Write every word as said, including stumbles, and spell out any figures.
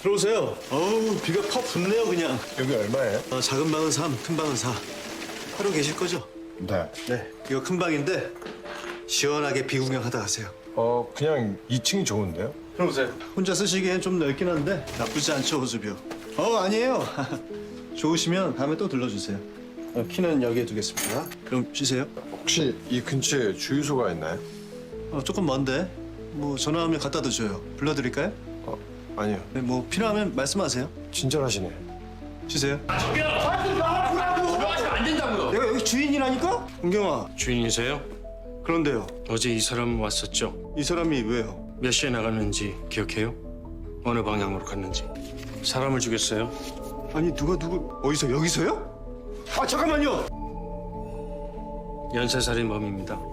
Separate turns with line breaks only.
들어오세요. 어우, 비가 퍽 붙네요, 그냥.
여기 얼마예요?
어, 작은 방은 삼, 큰 방은 사. 하루 계실 거죠?
네.
네. 이거 큰 방인데 시원하게 비 구경하다 가세요.
어, 그냥 이 층이 좋은데요?
들어오세요. 혼자 쓰시기엔 좀 넓긴 한데 나쁘지 않죠, 호수뷰. 어, 아니에요. 좋으시면 다음에 또 들러주세요. 어, 키는 여기에 두겠습니다. 그럼 쉬세요.
혹시 이 근처에 주유소가 있나요?
어, 조금 먼데 뭐 전화하면 갖다 드줘요. 불러드릴까요?
어, 아니요.
네, 뭐 필요하면 말씀하세요.
친절하시네.
쉬세요.
들어가시면 안 된다고요.
내가 여기 주인이라니까? 은경아.
주인이세요?
그런데요.
어제 이 사람 왔었죠?
이 사람이 왜요?
몇 시에 나갔는지 기억해요? 어느 방향으로 갔는지. 사람을 죽였어요?
아니 누가 누구 어디서 여기서요? 아 잠깐만요.
연쇄살인범입니다.